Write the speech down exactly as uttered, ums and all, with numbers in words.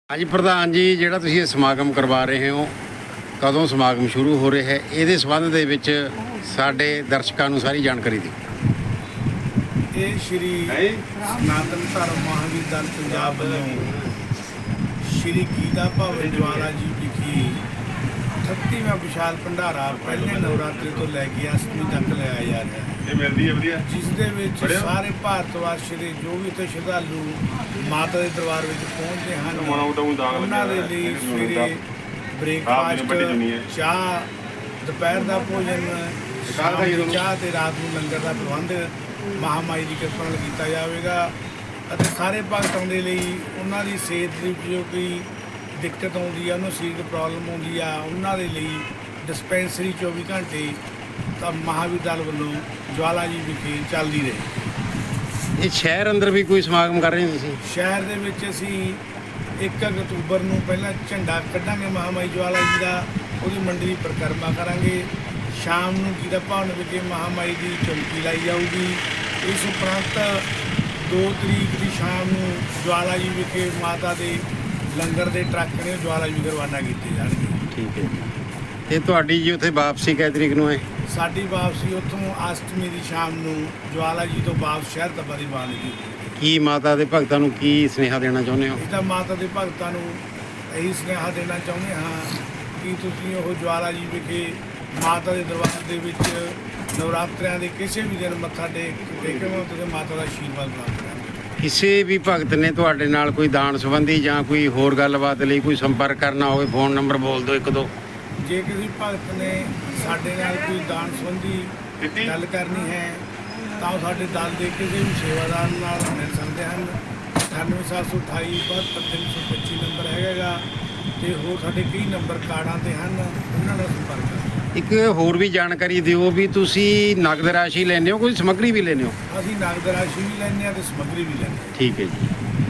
ਹਾਂਜੀ ਪ੍ਰਧਾਨ ਜੀ, ਜਿਹੜਾ ਤੁਸੀਂ ਇਹ ਸਮਾਗਮ ਕਰਵਾ ਰਹੇ ਹੋ, ਕਦੋਂ ਸਮਾਗਮ ਸ਼ੁਰੂ ਹੋ ਰਿਹਾ ਹੈ, ਇਹਦੇ ਸੰਬੰਧ ਦੇ ਵਿੱਚ ਸਾਡੇ ਦਰਸ਼ਕਾਂ ਨੂੰ ਸਾਰੀ ਜਾਣਕਾਰੀ ਦਿਓ। ਇਹ ਸ਼੍ਰੀ ਸਨਾਤਨ ਧਰਮ ਮਹਾਂਵੀਰ ਦਲ ਪੰਜਾਬ ਵੱਲੋਂ ਸ਼੍ਰੀ ਗੀਤਾ ਭਵਨ ਜਵਾਲਾ ਜੀ ਵਿਖੇ ਅਠੱਤੀਵਾਂ ਵਿਸ਼ਾਲ ਭੰਡਾਰਾ ਪਹਿਲੇ ਨਵਰਾਤਰੇ ਤੋਂ ਲੈ ਕੇ ਅਸ਼ਟਮੀ ਤੱਕ ਲਾਇਆ ਜਾ ਰਿਹਾ ਹੈ। ਇਹ ਮਿਲਦੀ ਹੈ ਵਧੀਆ, ਜਿਸ ਦੇ ਵਿੱਚ ਸਾਰੇ ਭਾਰਤ ਵਾਸੀ ਦੇ ਜੋ ਵੀ ਇੱਥੇ ਸ਼ਰਧਾਲੂ ਮਾਤਾ ਦੇ ਦਰਬਾਰ ਵਿੱਚ ਪਹੁੰਚਦੇ ਹਨ, ਉਹਨਾਂ ਦੇ ਲਈ ਸਵੇਰੇ ਬ੍ਰੇਕਫਾਸਟ, ਚਾਹ, ਦੁਪਹਿਰ ਦਾ ਭੋਜਨ, ਸ਼ਾਮ ਦੀ ਚਾਹ ਤੇ ਰਾਤ ਨੂੰ ਲੰਗਰ ਦਾ ਪ੍ਰਬੰਧ ਮਹਾਮਾਈ ਦੀ ਕਿਰਪਾ ਨਾਲ ਕੀਤਾ ਜਾਵੇਗਾ। ਅਤੇ ਸਾਰੇ ਭਗਤਾਂ ਦੇ ਲਈ ਉਹਨਾਂ ਦੀ ਸਿਹਤ ਦੀ ਜੋ ਕੋਈ ਦਿੱਕਤ ਆਉਂਦੀ ਆ, ਉਹਨੂੰ ਸਰੀਰਕ ਪ੍ਰੋਬਲਮ ਆਉਂਦੀ ਆ, ਉਹਨਾਂ ਦੇ ਲਈ ਡਿਸਪੈਂਸਰੀ ਚੌਵੀ ਘੰਟੇ ਤਾਂ ਮਹਾਂਵੀਰ ਦਲ ਵੱਲੋਂ ਜਵਾਲਾ ਜੀ ਵਿਖੇ ਚੱਲਦੀ ਰਹੇ। ਇਹ ਸ਼ਹਿਰ ਅੰਦਰ ਵੀ ਕੋਈ ਸਮਾਗਮ ਕਰ ਰਹੇ ਹੋ ਤੁਸੀਂ? ਸ਼ਹਿਰ ਦੇ ਵਿੱਚ ਅਸੀਂ ਇੱਕ ਅਕਤੂਬਰ ਨੂੰ ਪਹਿਲਾਂ ਝੰਡਾ ਕੱਢਾਂਗੇ ਮਹਾਮਾਈ ਜਵਾਲਾ ਜੀ ਦਾ, ਉਹਦੀ ਮੰਡੀ ਦੀ ਪਰਿਕਰਮਾ ਕਰਾਂਗੇ। ਸ਼ਾਮ ਨੂੰ ਗੀਤਾ ਭਵਨ ਵਿਖੇ ਮਹਾਮਾਈ ਦੀ ਚੌਕੀ ਲਾਈ ਜਾਊਗੀ। ਇਸ ਉਪਰੰਤ ਦੋ ਤਰੀਕ ਦੀ ਸ਼ਾਮ ਨੂੰ ਜਵਾਲਾ ਜੀ ਵਿਖੇ ਮਾਤਾ ਦੇ ਲੰਗਰ ਦੇ ਟਰੱਕ ਨੇ ਜਵਾਲਾ ਜੀ ਵਿਖੇ ਰਵਾਨਾ ਕੀਤੇ ਜਾਣਗੇ। ਠੀਕ ਹੈ ਜੀ। ਤੇ ਤੁਹਾਡੀ ਜੀ ਉੱਥੇ ਵਾਪਸੀ ਕਿਹ ਤਰੀਕ ਨੂੰ ਹੈ? ਸਾਡੀ ਵਾਪਸੀ ਉੱਥੋਂ ਅਸ਼ਟਮੀ ਦੀ ਸ਼ਾਮ ਨੂੰ ਜਵਾਲਾ ਜੀ ਤੋਂ ਵਾਪਸ ਸ਼ਹਿਰ ਤੱਕ ਦੀ ਰਵਾਨਗੀ। ਕੀ ਮਾਤਾ ਦੇ ਭਗਤਾਂ ਨੂੰ ਕੀ ਸੁਨੇਹਾ ਦੇਣਾ ਚਾਹੁੰਦੇ ਹੋ? ਇਹਦਾ ਮਾਤਾ ਦੇ ਭਗਤਾਂ ਨੂੰ ਇਹੀ ਸੁਨੇਹਾ ਦੇਣਾ ਚਾਹੁੰਦੇ ਹਾਂ ਕਿ ਤੁਸੀਂ ਉਹ ਜਵਾਲਾ ਜੀ ਵਿਖੇ ਮਾਤਾ ਦੇ ਦਰਬਾਰ ਦੇ ਵਿੱਚ ਨਵਰਾਤਰਿਆਂ ਦੇ ਕਿਸੇ ਵੀ ਦਿਨ ਮੱਥਾ ਟੇਕ ਟੇਕੋ ਤੇ ਮਾਤਾ ਦਾ ਆਸ਼ੀਰਵਾਦ ਪ੍ਰਾਪਤ ਕਰੋ। ਕਿਸੇ ਵੀ ਭਗਤ ਨੇ ਤੁਹਾਡੇ ਨਾਲ ਕੋਈ ਦਾਨ ਸੰਬੰਧੀ ਜਾਂ ਕੋਈ ਹੋਰ ਗੱਲਬਾਤ ਲਈ ਕੋਈ ਸੰਪਰਕ ਕਰਨਾ ਹੋਵੇ, ਫੋਨ ਨੰਬਰ ਬੋਲ ਦਿਓ ਇੱਕ ਦੋ। ਜੇ ਕਿਸੇ ਭਗਤ ਨੇ ਸਾਡੇ ਨਾਲ ਕੋਈ ਦਾਨ ਸੰਬੰਧੀ ਗੱਲ ਕਰਨੀ ਹੈ ਤਾਂ ਉਹ ਸਾਡੇ ਦਲ ਦੇ ਕਿਸੇ ਵੀ ਸੇਵਾਦਾਰ ਨਾਲ ਮਿਲ ਸਕਦੇ ਹਨ। ਅਠਾਨਵੇਂ ਸੱਤ ਸੌ ਅਠਾਈ ਬਹੱਤਰ ਤਿੰਨ ਸੌ ਪੱਚੀ ਨੰਬਰ ਹੈਗਾ ਅਤੇ ਹੋਰ ਸਾਡੇ ਕਈ ਨੰਬਰ ਕਾਰਡਾਂ 'ਤੇ ਹਨ, ਉਹਨਾਂ ਨਾਲ ਸੰਪਰਕ ਕਰੋ। ਇੱਕ ਹੋਰ ਵੀ ਜਾਣਕਾਰੀ ਦਿਓ ਵੀ ਤੁਸੀਂ ਨਗਦ ਰਾਸ਼ੀ ਲੈਂਦੇ ਹੋ, ਕੋਈ ਸਮੱਗਰੀ ਵੀ ਲੈਂਦੇ ਹੋ? ਅਸੀਂ ਨਗਦ ਰਾਸ਼ੀ ਵੀ ਲੈਂਦੇ ਹਾਂ ਅਤੇ ਸਮੱਗਰੀ ਵੀ ਲੈਂਦੇ ਹਾਂ। ਠੀਕ ਹੈ ਜੀ।